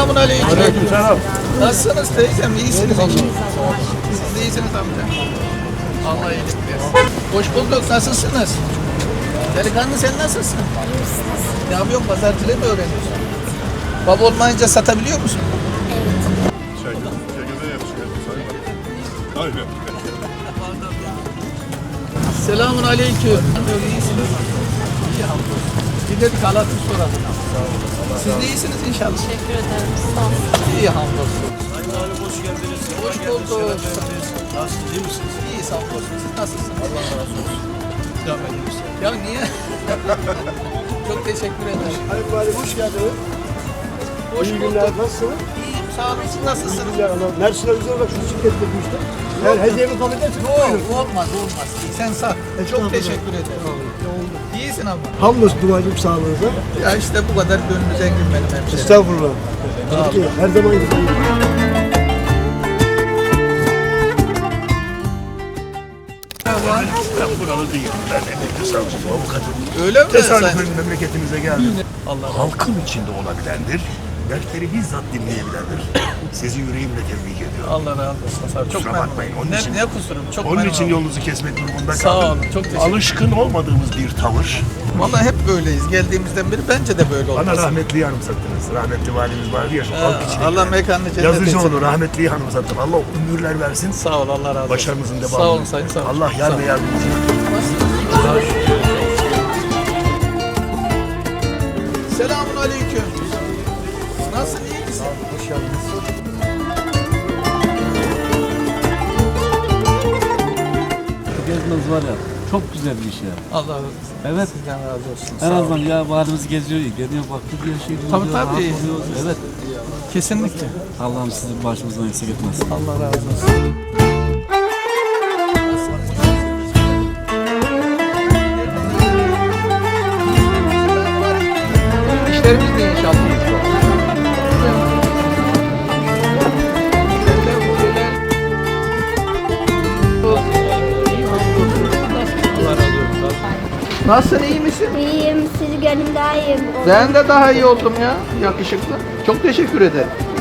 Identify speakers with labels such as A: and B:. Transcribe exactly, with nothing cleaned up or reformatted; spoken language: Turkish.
A: Selamun aleyküm.
B: Aleykümselam.
A: Nasılsınız teyzem? İyisiniz inşallah. Siz de iyisiniz amca. Allah iyilik versin. Hoş bulduk. Nasılsınız? Delikanlı sen nasılsın? Ne yapıyorsun? Pazarcılığı mı öğreniyorsun? Baba olmayınca satabiliyor musun?
B: Çay, çekirdeğe yapışıyor. Aynen.
A: Selamun aleyküm. İyisiniz. İyi hamdolsun. Bir de bir kalatı soralım. Siz de iyisiniz inşallah.
C: Teşekkür ederim. Sağ olun.
A: İyi hamdolsun.
D: Sayın Valim hoş geldiniz.
A: Hoş bulduk.
D: Nasılsınız, iyi misiniz?
A: İyi hamdolsun. Siz nasılsınız?
D: Allah razı olsun. Devam ediyoruz.
A: Ya niye? Çok teşekkür ederim.
E: Sayın Valim hoş geldiniz.
A: Hoş
E: İyi
A: bulduk.
E: günler, nasılsınız?
A: İyiyim, sağ olun. Siz nasılsınız?
E: Güzel ama Mersin'e güzel olarak şu şirkette bu işte. Eğer hediyemi kabul ederseniz buyurun.
A: Yok, olmaz, olmaz. Sen sağ. Çok teşekkür ederim. İyisin ama.
E: Hamdolsun duacım sağlığınıza.
A: Ya işte bu kadar gönlü zengin benim hemşerim.
E: Estağfurullah. Peki, her zaman gibi.
B: Ben buralı değilim. Ben emekli savcıyım, avukatım.
A: Öyle mi?
B: Tesadüfen memleketimize geldim.
A: Allah
B: Halkın içinde olabilendir. Dertleri bizzat dinleyebilendir. Sizi yüreğimle tebrik ediyorum.
A: Allah razı olsun. Sağ ol. Çok
B: Kusura
A: memnun
B: bakmayın,
A: oldum.
B: onun
A: Ne,
B: için-
A: ne kusurum? Çok
B: Onun
A: memnun
B: için
A: oldum.
B: yolunuzu kesmek durumunda
A: Sağ
B: kaldım.
A: olun, çok teşekkür ederim.
B: Alışkın olmadığımız bir tavır.
A: Vallahi hep böyleyiz. Geldiğimizden beri bence de böyle olmaz.
B: Bana rahmetliyi anımsattınız. Rahmetli valimiz vardı ya şu halk
A: Ha,
B: içinde.
A: Allah mekanını cennet etsin.
B: Yazıcıoğlu rahmetliyi anımsattım. Allah ömürler versin.
A: Sağ ol, Allah razı olsun.
B: Başarınızın devamı.
A: Sağ olun sayın, sağ olun.
B: Allah yar
A: Sağ
B: ve
A: olun.
B: yardımcınız.
A: Selamun aleyküm. Nasılsın, iyi misin? Hoş geldiniz.
F: Gezmeniz var ya, çok güzel bir iş ya.
A: Allah razı olsun.
F: Evet.
A: Sizden razı olsun.
F: En
A: Sağ
F: azından
A: olun.
F: ya valimiz geziyor, geliyor baktı diye şey diyor.
A: Tabii, tabii.
F: rahat oluyoruz. Evet.
A: Kesinlikle.
F: Allah'ım sizi başımızdan eksik etmesin.
A: Allah razı olsun. İşlerimiz de inşallah. Allah razı olsun. Nasılsın, iyi misin?
G: İyiyim, sizi gönlüm daha iyiyim.
A: Ben de daha iyi oldum ya, yakışıklı. Çok teşekkür ederim.